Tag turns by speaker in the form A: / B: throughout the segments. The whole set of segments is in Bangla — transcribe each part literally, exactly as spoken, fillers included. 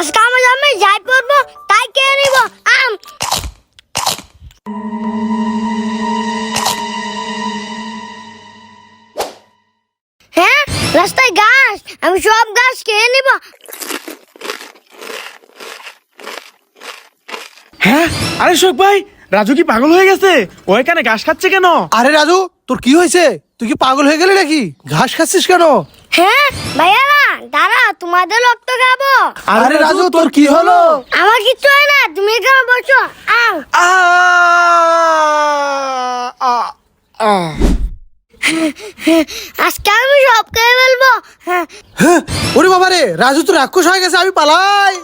A: আজকে আমি আমি যাই পড়বো তাই কে নিব আম হ্যাঁ রাস্তায় গাছ আমি সব গাছ খেয়ে নিব।
B: হ্যাঁ আরে শোক ভাই, রাজু কি পাগল হয়ে গেছে? ও এখানে ঘাস খাচ্ছে কেন?
C: আরে রাজু, তোর কি হয়েছে? তুই কি পাগল হয়ে গেলি নাকি? ঘাস খাচ্ছিস কেন?
A: হ্যাঁ ভাইয়ারা দাঁড়া, তোমাদের রক্ত খাবো।
C: আরে রাজু, তোর কি হলো?
A: আমার কিচ্ছু হয় না, তুমি এখানে বসো। আম
B: আ আ আ
A: আজকে আমি সব খেয়ে ফেলবো। হ্যাঁ
C: হ্যাঁ, ওরে বাবা রে, রাজু তো রাক্ষস হয়ে গেছে, আমি পালাই।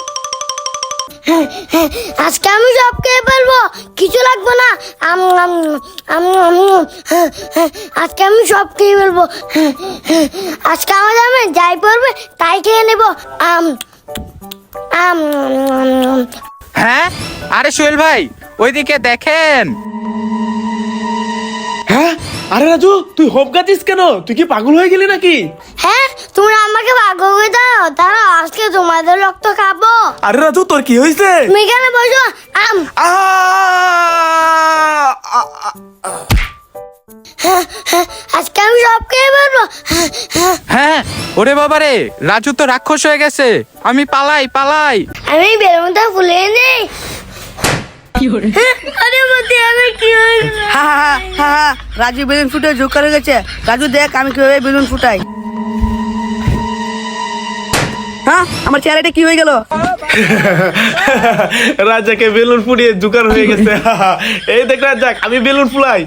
A: আজকে আমি সব খেয়ে ফেলবো, কিছু লাগবে না। আম আম আম আম হ্যাঁ, হ্যাঁ, আজকে আমি সব খেয়ে ফেলবো। হ্যাঁ, হ্যাঁ, আজকে আমার আমি যাই পড়বে তাই খেয়ে নেবো। আম আম আম।
D: হ্যাঁ আরে সোহেল ভাই ওইদিকে দেখেন।
B: হ্যাঁ আরে রাজু, তুই হোপ গাছিস কেন? তুই কি পাগল হয়ে গেলি নাকি?
A: হ্যাঁ তুমি আমাকে ভাগ্য করে দাও, তারা আজকে তোমাদের রক্ত খাবো।
B: আরে রাজু, তোর কি হয়েছে?
A: তুমি এখানে বসো। আম
B: আ আ, আ, আ।
A: হ্যাঁ, হ্যাঁ, আজকে আমি সব খেয়ে ফেলবো। হ্যাঁ, হ্যাঁ,
D: হ্যাঁ ওরে বাবা রে, রাজু তো রাক্ষস হয়ে গেছে, আমি পালাই পালাই।
A: আমি বেলুনটা ফুলে নেই। হ্যাঁ, আরে মতি আমার কি হয়েছে?
E: হা হা হা হা রাজু বেলুন ফুটে যোগ করে গেছে। রাজু দেখ আমি কিভাবে বেলুন ফুটাই। হ্যাঁ আমার চেহারাটা কি হয়ে গেল?
B: রাজাকে বেলুন ফুটিয়ে জুকার হয়ে গেছে। এই দেখ রাজাক, আমি বেলুন ফুলাই।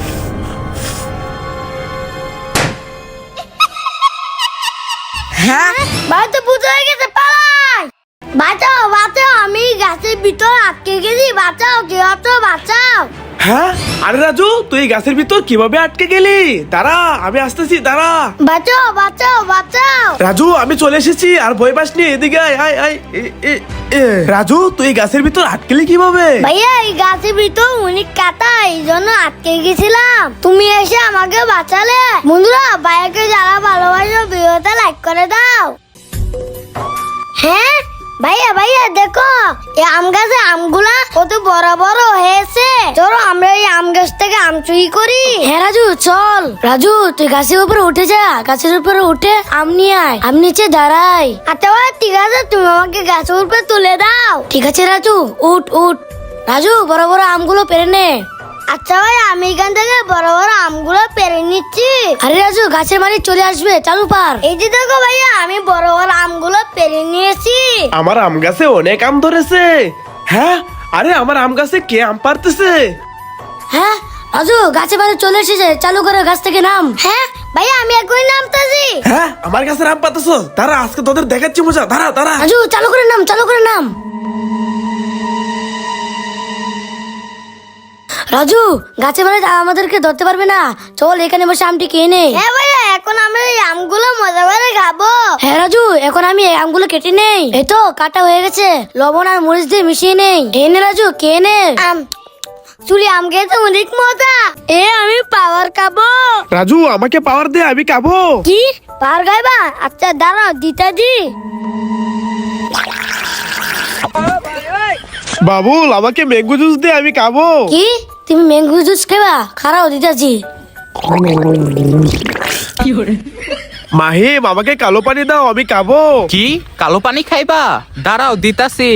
E: হ্যাঁ
A: বাড়িতে পুজো হয়ে গেছে, পালাই। বাঁচাও বাঁচাও, আমি গাছের ভিতর আটকে গেছি, বাঁচাও কেউ আছো, বাঁচাও।
B: হ্যাঁ আরে রাজু, তুই এই গাছের ভিতর কিভাবে আটকে গেলি? দাঁড়া, আমি আসতেছি, দাঁড়া।
A: বাঁচাও বাঁচাও বাঁচাও।
B: রাজু, আমি চলে এসেছি, আর ভয় পাস নি, এদিকে আয় আয় আয়। এ, এ, এ। রাজু, তুই এই গাছের ভিতর আটকেলি কিভাবে?
A: ভাইয়া এই গাছের ভিতর অনেক কাটা, এই জন্য আটকে গেছিলাম, তুমি এসে আমাকে বাঁচালে। বন্ধুরা ভাইয়াকে যারা ভালোবাসো ভিডিওটা লাইক করে দাও। হ্যাঁ ভাইয়া ভাইয়া দেখো, এই আম গাছে আমগুলা কত বড় বড় হয়েছে। চলো আমরা এই আম গাছ থেকে আম চুরি করি। হ্যাঁ রাজু চল। রাজু তুই গাছের উপরে উঠে যা, গাছের উপরে উঠে আম নিয়ে আয়, আম নিচে দাঁড়াই। আচ্ছা ভাই ঠিক আছে, তুমি আমাকে গাছের উপরে তুলে দাও। ঠিক আছে রাজু, উঠ উঠ। রাজু বড় বড় আমগুলো পেরে নে। আচ্ছা ভাই, আমি এখান থেকে বড় বড় আমগুলো পেরে নিচ্ছি। আরে রাজু গাছের মালিক চলে আসবে, চালু পার। এই যে দেখো ভাইয়া, আমি বড় বড় আমগুলো পেরে নিয়েছি।
B: আমার আম গাছে অনেক আম ধরেছে। হ্যাঁ আরে আমার আম গাছে কে আম পারতেছে?
A: হ্যাঁ রাজু গাছে বাড়ি চলে এসেছে, চালু করে গাছ থেকে নাম। হ্যাঁ ভাইয়া আমি এখনই নামতাছি।
B: হ্যাঁ আমার গাছের আম পাতেছ, দাঁড়া আজকে তোদের দেখাচ্ছি মজা, দাঁড়া দাঁড়া।
A: রাজু চালু করে নাম, চালু করে নাম। রাজু গাছে বাড়ি আমাদেরকে ধরতে পারবে না, চল এখানে বসে আমটি খেয়ে নে। হ্যাঁ ভাইয়া এখন আমরা এই আমগুলো মজা করে খাবো। হ্যাঁ রাজু এখন আমি এই আমগুলো কেটে নেই, এই তো কাটা হয়ে গেছে, লবণ আর মরিচ দিয়ে মিশিয়ে নেই। এই নে রাজু খেয়ে নে। আম চুলি আম খেতে অনেক মজা। এ আমি পাওয়ার খাবো।
B: রাজু আমাকে পাওয়ার দে, আমি খাবো।
A: কি পাওয়ার খাইবা? আচ্ছা দাঁড়াও দিতাজি।
B: বাবুল আমাকে ম্যাঙ্গো জুস দে, আমি খাবো।
A: কি তুমি ম্যাঙ্গো জুস খাইবা? খারাও দিতাজি।
B: মাহিম আমাকে কালো পানি দাও, আমি খাবো।
D: কি কালো পানি খাইবা? দাঁড়াও দিতাছি।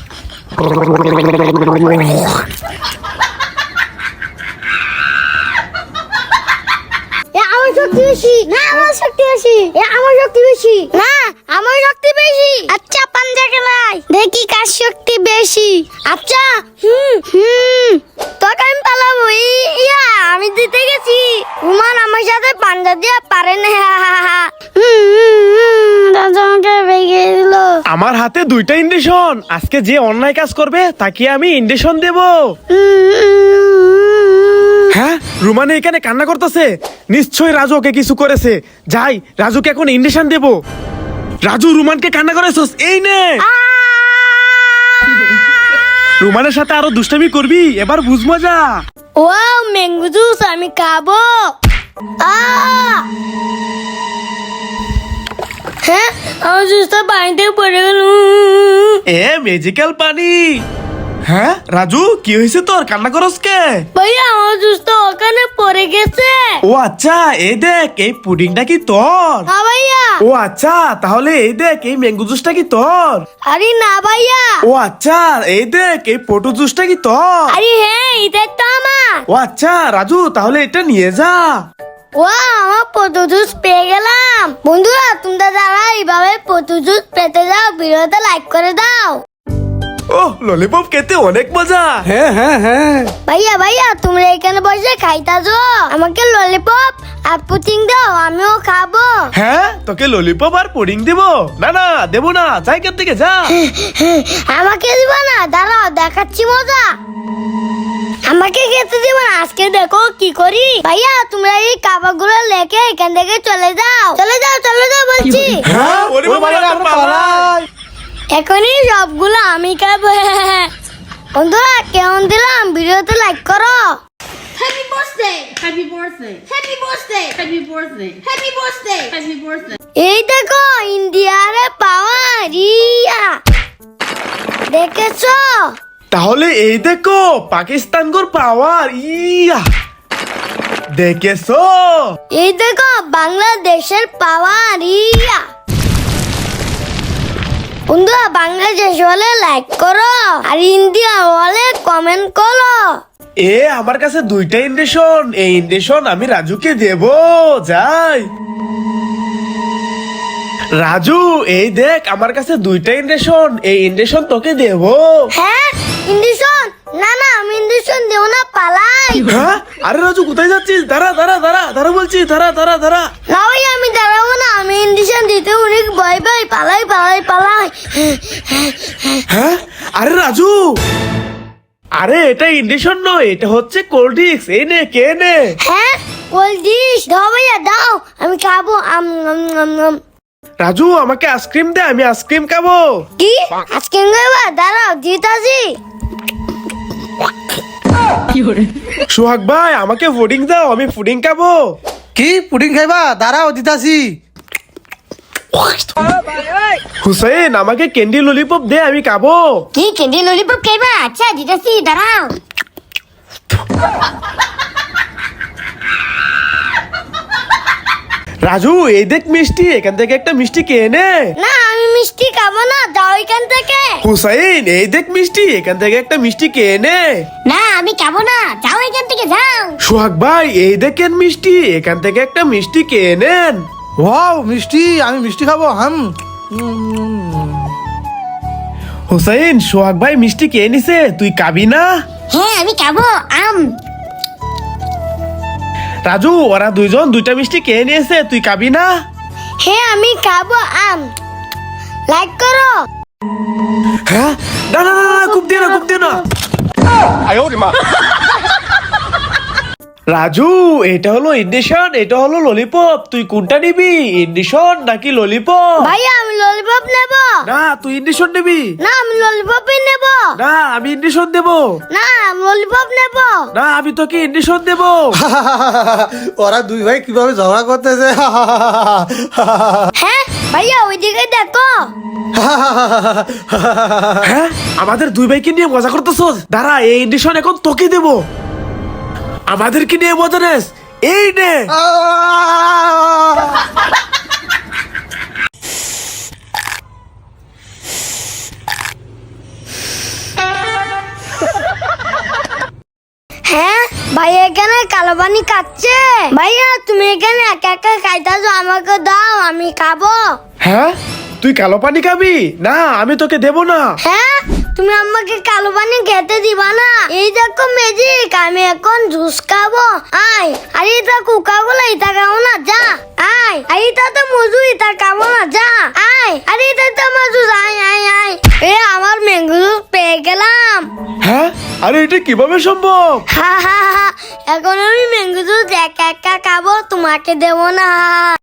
A: এ আমার শক্তি বেশি না, আমার শক্তি বেশি। এ আমার শক্তি বেশি না, আমার শক্তি বেশি। আচ্ছা পাঞ্জা খেলাই দেখি কার শক্তি বেশি। আচ্ছা হুম হুম তোকে আমি পালাবো। ই- ইয়া আমি দিতে গেছি। রুমান আমার সাথে পাঞ্জা দিয়ে পারে না। হুম হুম, হুম, রাজা আমাকে ভেঙে দিল।
B: আমার হাতে দুইটা ইন্ডেশন, আজকে যে অন্যায় কাজ করবে তাকে আমি ইন্ডেশন দেব।
A: হুম, হুম,
B: হ্যাঁ রুমানে এখানে কান্না করতেছে, নিশ্চয়ই রাজু ওকে কিছু করেছে। যাই রাজুকে এখন ইন্ডেশন দেব। রাজু রুমানকে কান্না করেছস, এই নে। রুমানের সাথে আরো দুষ্টামি করবি, এবার বুঝ মজা।
A: ওয়াও ম্যাঙ্গো জুস আমি খাবো। আ হ্যাঁ আমার জুসটা পানিতে পড়ে গেল।
B: এ ম্যাজিক্যাল পানি। হ্যাঁ রাজু, কি হয়েছে তোর? কান্না করস কে?
A: ভাইয়া আমার জুসটা ওখানে পড়ে গেছে।
B: ও আচ্ছা, এই দেখ এই পুডিংটা কি তোর?
A: না ভাইয়া।
B: ও আচ্ছা, তাহলে এই দেখ এই ম্যাঙ্গো জুসটা কি তোর?
A: আরে না ভাইয়া।
B: ও আচ্ছা, এই দেখ এই পটু জুসটা কি তোর?
A: আরে হ্যাঁ, এটা তো আমার।
B: ও আচ্ছা রাজু, তাহলে এটা নিয়ে যা।
A: ও আমার পটু জুস পেয়ে গেলাম। বন্ধুরা, তোমরা যারা এইভাবে পটু জুস পেতে যাও, ভিডিওতে লাইক করে দাও।
B: ও ললিপপ খেতে অনেক মজা।
C: হ্যাঁ হ্যাঁ হ্যাঁ
A: ভাইয়া ভাইয়া, তোমরা এখানে বসে খাইতাছো, আমাকে ললিপপ আর পুটিং দাও, আমিও খাবো।
B: হ্যাঁ, তোকে ললিপপ আর পুডিং দিব? না না, দেবো না, যাই এখান থেকে যা।
A: আমাকে দিব না? দাঁড়াও, দেখাচ্ছি মজা। আমাকে খেতে দিব না? আজকে দেখো কি করি। ভাইয়া, তোমরা এই কাবাগুলো লেকে এখান থেকে চলে যাও, চলে যাও, চলে যাও বলছি।
B: হ্যাঁ, ওরে বাবা,
C: ওরে বাবা,
B: আমরা পালাই।
A: এখনই সবগুলো আমি খাবো। বন্ধুরা, কেমন দিলাম? ভিডিওতে লাইক করো।
F: Happy birthday! Happy birthday! Happy birthday! Happy birthday! Happy birthday! Happy birthday!
A: এই দেখো ইন্ডিয়ারে পাওয়া রিয়া, দেখেছো?
B: তাহলে এই দেখো পাকিস্তান গোর পাওয়ার। ইয়া, দেখেছো?
A: এই দেখো বাংলাদেশের পাওয়া রিয়া। বন্ধুরা, বাংলাদেশ হলে লাইক করো, আর ইন্ডিয়া হলে কমেন্ট করো।
B: এ আমার কাছে দুইটা ইন্ডেশন, এই ইন্ডেশন আমি রাজুকে দেব। যাই রাজু, এই দেখ আমার কাছে দুইটা ইন্ডেশন, এই ইন্ডেশন তোকে দেব।
A: হ্যাঁ, ইন্ডিশন? না না, আমি ইন্ডিশন দেব না, পালাই।
B: হ্যাঁ, আরে রাজু কোথায় যাচ্ছিস? দাঁড়া দাঁড়া দাঁড়া দাঁড়া বলছি, দাঁড়া দাঁড়া দাঁড়া।
A: না ভাই, আমি দাঁড়াবো না, আমি ইন্ডিশন দিতে অনেক ভয় পাই, পালাই পালাই পালাই।
B: হ্যাঁ, আরে রাজু, আরে এটা ইন্ডেশন নয়, এটা হচ্ছে কোল্ড ড্রিঙ্কস। এই নে, কে নে।
A: হ্যাঁ, কোল্ড ড্রিঙ্কস দাও ভাইয়া, দাও, আমি খাবো। আম আম আম আম।
B: রাজু, আমাকে আইসক্রিম দে, আমি আইসক্রিম খাবো।
A: কি আজকে নেবা? দাঁড়াও, দিতাছি।
B: সোহাগ ভাই, আমাকে পুডিং দাও, আমি পুডিং খাবো।
C: কি পুডিং খাইবা? দাঁড়াও দিতাছি।
B: হুসেন, আমাকে ক্যান্ডি ললিপপ দে, আমি খাবো।
A: কি ক্যান্ডি ললিপপ খাইবা? আচ্ছা দিতাছি, দাঁড়াও।
B: রাজু, এই দেখ মিষ্টি, এখান থেকে একটা মিষ্টি কে নে।
A: না, আমি মিষ্টি খাবো না, যাও এখান থেকে।
B: হুসাইন, এই দেখ মিষ্টি, এখান থেকে একটা মিষ্টি কে নে।
A: না, আমি খাবো না, যাও এখান থেকে, যাও।
B: সোহাগ ভাই, এই দেখেন মিষ্টি, এখান থেকে একটা মিষ্টি কে নেন।
C: ওয়াও মিষ্টি, আমি মিষ্টি খাবো। হাম
B: হুসাইন, সোহাগ ভাই মিষ্টি কে নিছে, তুই খাবি না?
A: হ্যাঁ, আমি খাবো। আম।
B: রাজু, ওরা দুইজন দুইটা মিষ্টি কে নিয়েছে, তুই খাবি না?
A: হ্যাঁ, আমি খাবো আম। লাইক করো।
B: হ্যাঁ, না না না না, খুব দিয়ে না, খুব দিয়ে না। রাজু, এটা হলো ইন্ডিশন, এটা হলো ললিপপ, তুই কোনটা নিবি, ইন্ডিশন নাকি ললিপপ?
A: ভাইয়া, আমি ললিপপ নেব।
B: না, তুই ইন্ডিশন নিবি।
A: না, আমি ললিপপই নেব।
B: না, আমি ইন্ডিশন দেব।
A: না, আমি ললিপপ নেব।
B: না, আমি তোকে ইন্ডিশন দেব।
C: ওরা দুই ভাই কিভাবে ঝগড়া করতেছে।
A: হ্যাঁ ভাইয়া, ওইদিকে দেখো।
B: হ্যাঁ, আমাদের দুই ভাইকে নিয়ে মজা করতেছো? দাঁড়া, এই ইন্ডিশন এখন তোকে দেব। আমাদেরকে নিয়ে মজা নেস, এই নে।
A: হ্যাঁ ভাইয়া, এখানে কালো পানি খাচ্ছে। ভাইয়া, তুমি এখানে একা একা খাইতাছো, আমাকে দাও, আমি খাবো।
B: হ্যাঁ, তুই কালো পানি খাবি? না, আমি তোকে দেব না।
A: হ্যাঁ, তুমি আমাকে কালো পানি খেতে দিবা না? এই দেখো ম্যাজিক, আমি এখন জুস খাবো। আয়, আর এটা কোকা কোলা, এটা খাবো না, যা। আয়, আর এটা তো মজু, এটা খাবো না, যা। আয়, আর এটা তো মজু, আয় আয় আয়। এ আমার ম্যাঙ্গো জুস পেয়ে গেলাম।
B: হ্যাঁ, আরে এটা কিভাবে সম্ভব?
A: হা হা হা, এখন আমি ম্যাঙ্গো জুস একা একা খাবো, তোমাকে দেবো না।